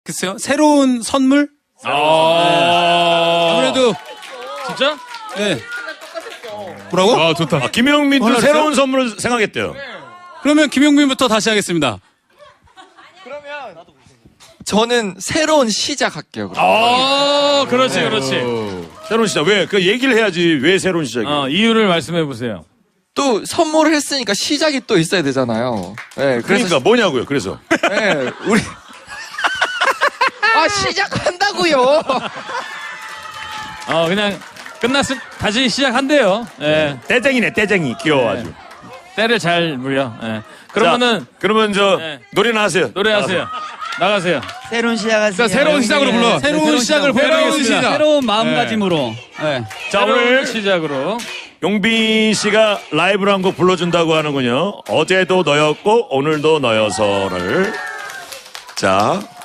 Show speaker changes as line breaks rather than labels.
글쎄요. 새로운 선물?
아무래도
진짜?
네. 뭐라고?
아 좋다.
김영민도
뭐라
새로운 선물을 생각했대요.
그러면 김용민부터 다시 하겠습니다.
저는 새로운 시작할게요. 그럼.
그렇지.
새로운 시작. 왜? 그 얘기를 해야지. 왜 새로운 시작이에요?
이유를 말씀해 보세요.
또 선물을 했으니까 시작이 또 있어야 되잖아요. 네,
그러니까 뭐냐고요. 그래서.
네, 우리 시작한다고요.
그냥 끝났을 다시 시작한대요. 예.
떼쟁이네, 떼쟁이. 귀여워 아주.
때를 잘 물려. 예. 그러면은
자, 그러면
네.
노래나 하세요.
노래하세요. 나가세요.
새로운 시작하세요.
새로운 시작으로 불러.
새로운 시작을 보여드리겠습니다.
새로운 마음가짐으로. 네.
자,
새로운
오늘
시작으로.
용빈 씨가 라이브로 한 곡 불러준다고 하는군요. 어제도 너였고 오늘도 너여서를. 자,